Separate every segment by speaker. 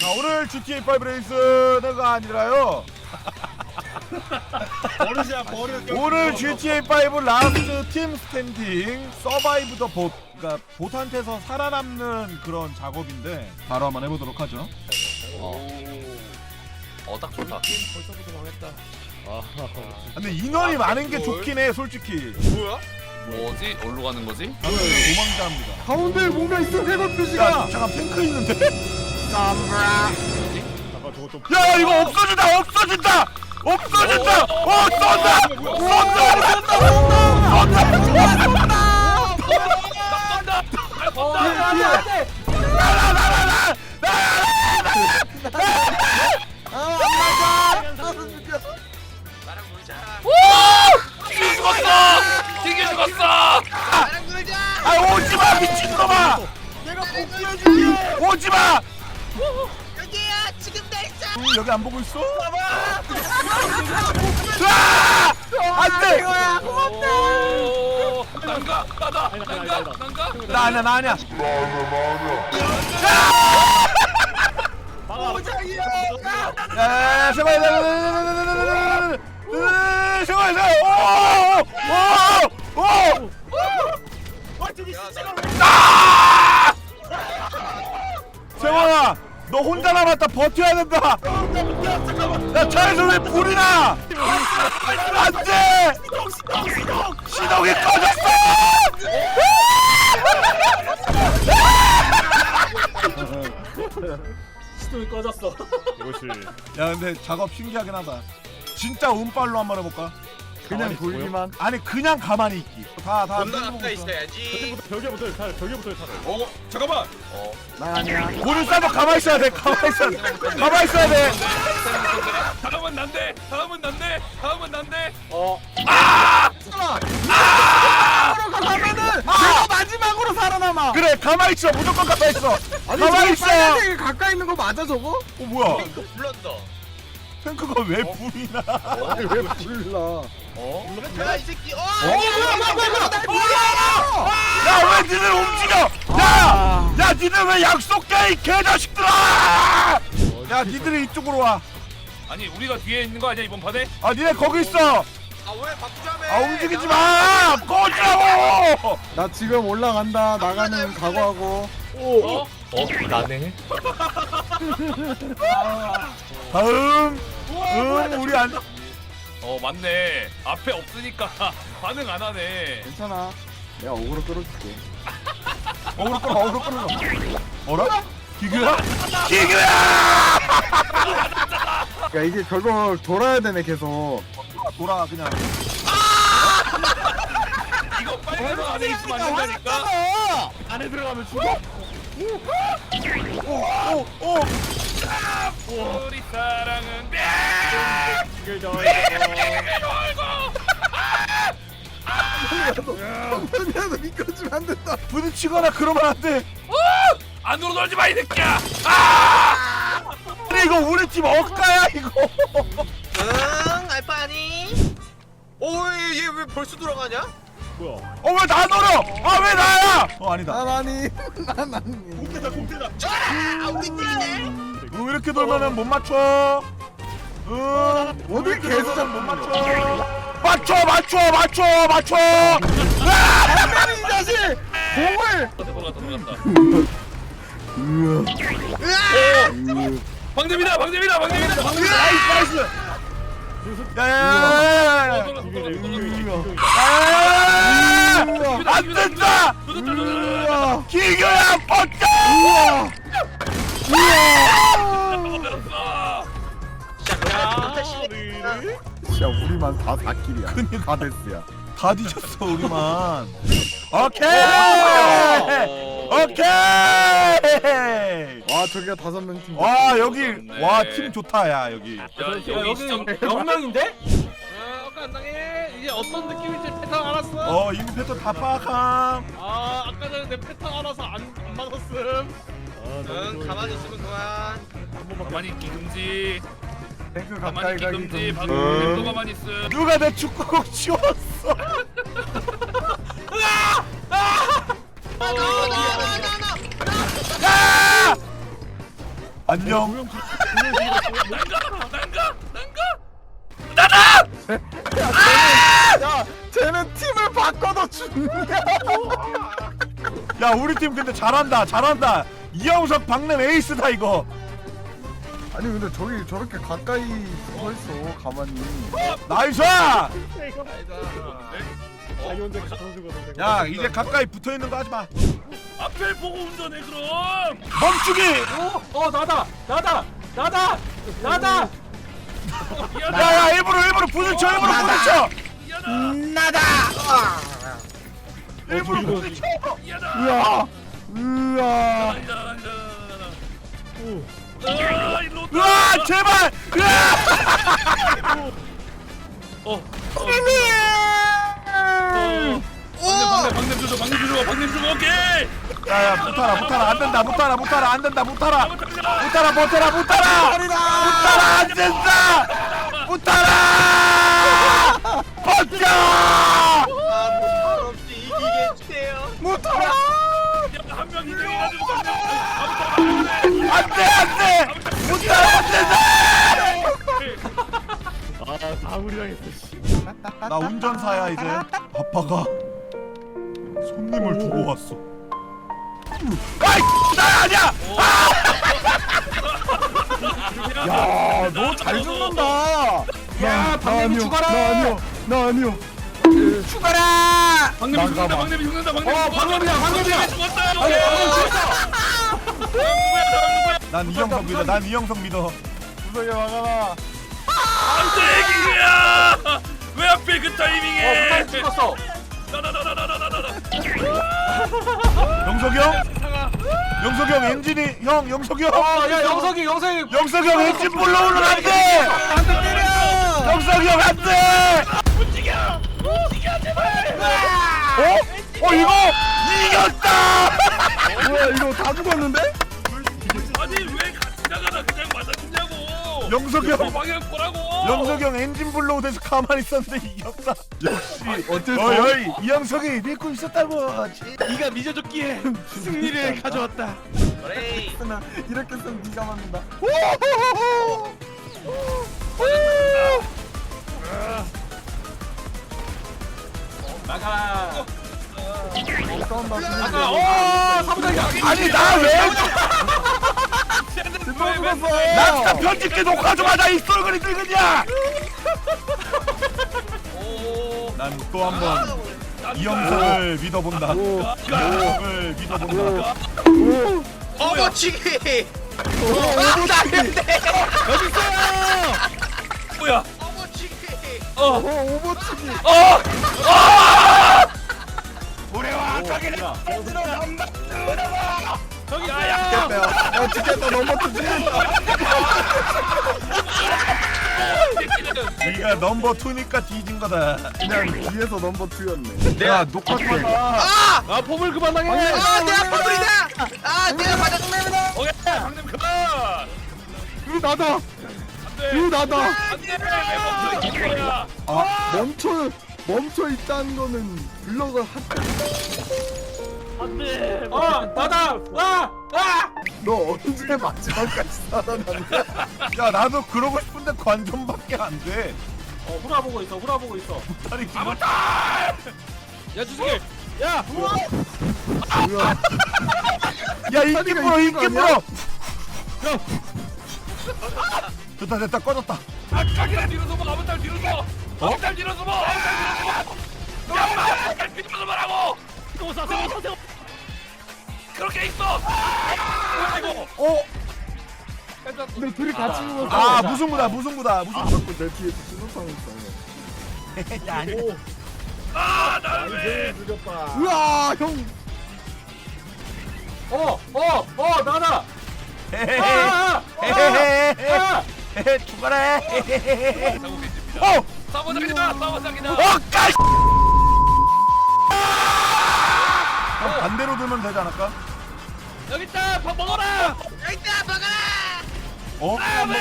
Speaker 1: 자, 오늘 GTA5 레이스가 아니라요.
Speaker 2: 버릇이야 버릇.
Speaker 1: 오늘 GTA5 라스트 팀 스탠딩 서바이브 더 봇. 그러니까 보트한테서 살아남는 그런 작업인데 바로 한번 해보도록 하죠.
Speaker 3: 딱 좋다.
Speaker 2: 벌써부터 망했다.
Speaker 1: 근데 인원이 많은 게 좋긴 해, 솔직히.
Speaker 2: 뭐야?
Speaker 3: 뭐지? 어디로 가는 거지?
Speaker 1: 저는 도망자입니다.
Speaker 4: 가운데에 뭔가 있어. 해골
Speaker 1: 야,
Speaker 4: 표시가.
Speaker 1: 잠깐 탱크 있는데?
Speaker 2: 잠깐 저거 좀.
Speaker 1: 야, 이거 없어진다! 없어진다! 없어진다! 쏜다!
Speaker 3: 튕겨 죽었어! 튕겨 죽었어!
Speaker 1: 아, 오지마! 미친놈아!
Speaker 2: 내가 복수해줄게.
Speaker 1: 오지마!
Speaker 5: 여기야 지금 나 있어.
Speaker 1: 여기 안 보고 있어? 아! 안 돼!
Speaker 3: 오, 난가? 난가?
Speaker 1: 나 아니야, 나 아니야.
Speaker 2: 오장이야.
Speaker 1: 야, 제발, 제발, 오!
Speaker 2: 완전히 시체가.
Speaker 1: 세원아, 너 혼자 남았다. 버텨야 된다. 야, 차에서 왜 불이 나? 안 돼! 시동이 꺼졌어!
Speaker 2: 시동이 꺼졌어.
Speaker 4: 이것이
Speaker 1: 야, 근데 작업 신기하긴 하다. 진짜 운빨로 한번 해볼까?
Speaker 4: 그냥 돌기만.
Speaker 1: 아니, 그냥 가만히 있기. 다
Speaker 2: 존나
Speaker 1: 밀고
Speaker 2: 가까이
Speaker 1: 있어.
Speaker 2: 있어야지.
Speaker 4: 벽에부터 차를.
Speaker 2: 어 잠깐만.
Speaker 4: 나 아니야.
Speaker 1: 문을 싸도 가만히 있어야 돼. 가만히 있어야 돼. 가만히 있어야 돼.
Speaker 3: 다음은 난데! 다음은 난데! 다음은 난데!
Speaker 4: 가면은 내가 마지막으로 살아남아.
Speaker 1: 그래, 가만히 있어. 무조건 가만히 있어. 가만히 있어.
Speaker 4: 빨간색이 가까이 있는 거 맞아 저거?
Speaker 1: 뭐야?
Speaker 2: 이거 불렀다.
Speaker 1: 탱크가 왜 불이 나?
Speaker 4: 아니 왜 불러?
Speaker 2: 야이 새끼.
Speaker 1: 야, 왜 니들 움직여? 야! 야, 니들 왜 약속해, 이 개자식들아! 야, 니들이 이쪽으로 와.
Speaker 3: 아니, 우리가 뒤에 있는 거 아니야, 이번 판에?
Speaker 1: 아, 니네 거기 있어.
Speaker 2: 아왜 바꾸자며?
Speaker 1: 아, 움직이지 마! 꺼지라고!
Speaker 4: 나 지금 올라간다. 나가는 각오하고.
Speaker 3: 나네.
Speaker 1: 다음. 우리 안.
Speaker 3: 맞네. 앞에 없으니까 반응 안 하네.
Speaker 4: 괜찮아. 내가 어그로 끌어줄게.
Speaker 1: 어그로 끌어. 어라? 기규야? 기규야!
Speaker 4: 야 이게 저거 돌아야 되네 계속.
Speaker 1: 돌아, 그냥.
Speaker 3: 이거 빨간 안에 있으면 안 된다니까?
Speaker 4: 안에 들어가면 죽어.
Speaker 1: 오!
Speaker 3: 우리 사랑은
Speaker 4: 이걸 저. 야, 미끄러지면 안 된다.
Speaker 1: 부딪히거나 그러면 안 돼.
Speaker 3: 안으로 놀지 마, 이 새끼야!
Speaker 1: 아니, 이거 우리 팀 억가야, 이거.
Speaker 5: 응 알바니.
Speaker 2: 오얘 왜 벌써 돌아가냐?
Speaker 4: 뭐야?
Speaker 1: 왜 나 놀어? 아, 왜 나야? 아니다.
Speaker 4: 난 아니. 난 아니.
Speaker 2: 공대다.
Speaker 5: 아 우리 팀이네.
Speaker 1: 왜 이렇게 돌면은 못 맞춰?
Speaker 4: 어디 계속
Speaker 1: 못 맞춰. 맞춰.
Speaker 4: 이 자식! 공을!
Speaker 3: 들어갔다.
Speaker 4: 으아.
Speaker 3: 방점이다!
Speaker 1: 나이스. 야야야야야. 안 된다. 기교야, 뻗자.
Speaker 4: 진짜 우리만 다 4킬이야. 다 데스야.
Speaker 1: 다 뒤졌어, 우리만. 오케이.
Speaker 4: 와 저기가 5명 팀.
Speaker 1: 와, 여기 와, 팀 좋다. 야, 여기.
Speaker 3: 여기 시점
Speaker 2: 0명인데?
Speaker 6: 아까 안 당해. 이제 어떤 느낌인지 패턴 알았어.
Speaker 1: 이미 패턴 다 파악함.
Speaker 6: 아까 전에 내 패턴 알아서 안 맞았음.
Speaker 2: 응 가만히 있으면 그만.
Speaker 3: 가만히 있기 금지.
Speaker 4: 탱크
Speaker 3: 가만히
Speaker 4: 가까이
Speaker 3: 있기
Speaker 4: 가기
Speaker 3: 금지.
Speaker 4: 금지.
Speaker 3: 방금 또 가만히 있음.
Speaker 1: 누가 내 축구공 치웠어? 야! 아, 안녕.
Speaker 4: 야 쟤는 팀을 바꿔도 죽냐?
Speaker 1: 야 우리 팀 근데 잘한다. 이영석 박는 에이스다 이거.
Speaker 4: 아니 근데 저기 저렇게 가까이 서 있어 가만히.
Speaker 1: 나이스. 야 이제 가까이 붙어 있는 거 하지 마.
Speaker 3: 앞을 보고 운전해 그럼.
Speaker 1: 멈추기.
Speaker 6: 나다.
Speaker 1: 야야 일부러 부딪혀.
Speaker 2: 나다.
Speaker 1: 일부러 부딪혀.
Speaker 4: 으아 으아.
Speaker 3: 일로
Speaker 1: 으아 제발.
Speaker 3: 방냄 주소 오케이.
Speaker 1: 야야 못하라 안 된다 못하라 안 된다 못하라 안 된다 버텨
Speaker 2: 없이 이기게 해주세요.
Speaker 1: 못하라
Speaker 3: 한명 인정해가지고
Speaker 1: 안돼 못한다 나 운전사야 이제 아빠가 손님을 두고 왔어 아이 나 아니야
Speaker 4: 야너 잘 죽는다.
Speaker 6: 야, 방금이 죽어라!
Speaker 4: 나 아니요.
Speaker 6: 죽어라!
Speaker 3: 방냄이 죽는다. 방냄이
Speaker 6: 방금이야!
Speaker 3: 죽었다.
Speaker 1: 난 이영석 믿어
Speaker 4: 구석에 막아라.
Speaker 3: 안돼 애기야. 왜 하필 그 타이밍에?
Speaker 6: 빨리 죽었어!
Speaker 1: 영석이 형 엔진이 형 영석이 형
Speaker 6: 야, 영석이!
Speaker 1: 영석이 형 엔진 불러오면 안돼 영석이 형 안돼
Speaker 3: 움직여 제발.
Speaker 1: 이거 이겼다
Speaker 4: 뭐야 이거 다 죽었는데?
Speaker 3: 아니 왜 같이 나가다 그냥 맞아주냐고.
Speaker 1: 영석이 형
Speaker 3: 방향 보라고.
Speaker 1: 영석이 형 엔진 불러오면서 가만히 있었는데 이겼다 역시
Speaker 4: 어쩔 수
Speaker 1: 어이 이영석이 믿고 있었다고
Speaker 6: 네가 미져줬기에 승리를 가져왔다.
Speaker 2: 그래.
Speaker 4: 없으면 이렇게 쓰면 네가 맞는다.
Speaker 6: 나가!
Speaker 4: 싸운다.
Speaker 6: 사부장이야!
Speaker 1: 아니 나왜
Speaker 4: 또 죽었어.
Speaker 1: 나 진짜 편집기 녹화 좀 하자 이 썰거리 늙은이야 난 또 한 번 이영석을 믿어본다 이영석을 믿어본다
Speaker 2: 어머치기.
Speaker 3: 뭐야?
Speaker 2: 어머치기.
Speaker 4: 오버치기.
Speaker 1: 우리와 가기를
Speaker 6: 저기
Speaker 3: 야야.
Speaker 4: 야 죽겠다 넘어뜨지.
Speaker 1: 네가 넘버 2니까 뒤진 거다
Speaker 4: 그냥 뒤에서 넘버 2였네.
Speaker 1: 내가 녹화 좀 하자
Speaker 6: 아, 포물 그만하게!
Speaker 2: 내가 퍼블이다. 내가 맞았습니다.
Speaker 3: 오케이. 방냄 그만.
Speaker 4: 이거 나다.
Speaker 3: 안돼.
Speaker 4: 이거 나다.
Speaker 3: 안돼. 왜 멈춰 있는 거야?
Speaker 4: 멈춰 있다는 거는 블럭을
Speaker 6: 나다!
Speaker 4: 너 언제 마지막까지 살아남냐?
Speaker 1: 야 나도 그러고 싶은데 관전밖에 안돼
Speaker 6: 후라보고 있어.
Speaker 1: 다리 긴
Speaker 6: 야, 주승이! 야!
Speaker 4: 뭐야?
Speaker 1: 야 인기
Speaker 4: 다리가
Speaker 1: 불어
Speaker 4: 있는
Speaker 1: 인기
Speaker 4: 거
Speaker 1: 불어 됐다 꺼졌다
Speaker 3: 아까기라 뒤로 서봐. 아무탈 뒤로 서. 아무탈 뒤로 서봐. 아무탈 뒤로 서봐라고. 세워. 그렇게 있어. 아이고.
Speaker 4: 근데 둘이 같이 죽었어.
Speaker 1: 아 무승부다
Speaker 4: 자꾸 내 뒤에 수소탕 있어.
Speaker 3: 나를 왜?
Speaker 4: 우와 형.
Speaker 6: 나다!
Speaker 1: 헤헤헤헤헤헤헤 죽어라 헤헤헤헤
Speaker 3: 사보장이다.
Speaker 1: 까이 반대로 들면 되지 않을까?
Speaker 6: 여기 있다! 밥 먹어라!
Speaker 2: 여기다 먹어라.
Speaker 1: 어?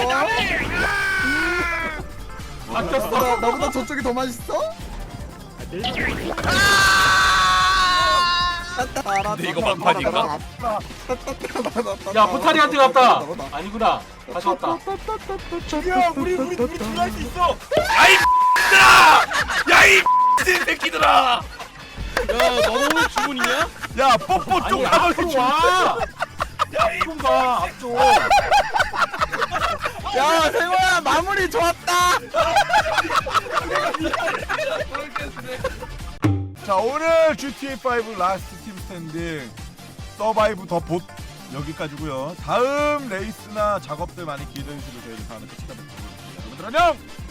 Speaker 4: 바뀌었어. 나보다 저쪽이 더 맛있어?
Speaker 3: 근데 이거 막판인가?
Speaker 7: 야 포탈이한테 갔다. 아니구나. 다시 왔다.
Speaker 1: 야 우리 둘할 수 있어.
Speaker 3: 야이 새끼들아! 야이 새끼들아!
Speaker 6: 야 너는 오늘 주문이냐?
Speaker 1: 야 뽀뽀 좀
Speaker 7: 아니
Speaker 1: 가만히
Speaker 7: 앞으로
Speaker 1: 좀.
Speaker 7: 와. 좀 가. 앞쪽.
Speaker 4: 야 생호야 마무리 좋았다.
Speaker 1: 자 오늘 GTA5 라스트 팀 스탠딩 서바이브 더 봇 여기까지고요. 다음 레이스나 작업들 많이 기대해 주시고 저희는 다음에 또 찾아뵙도록 하겠습니다. 여러분들 안녕.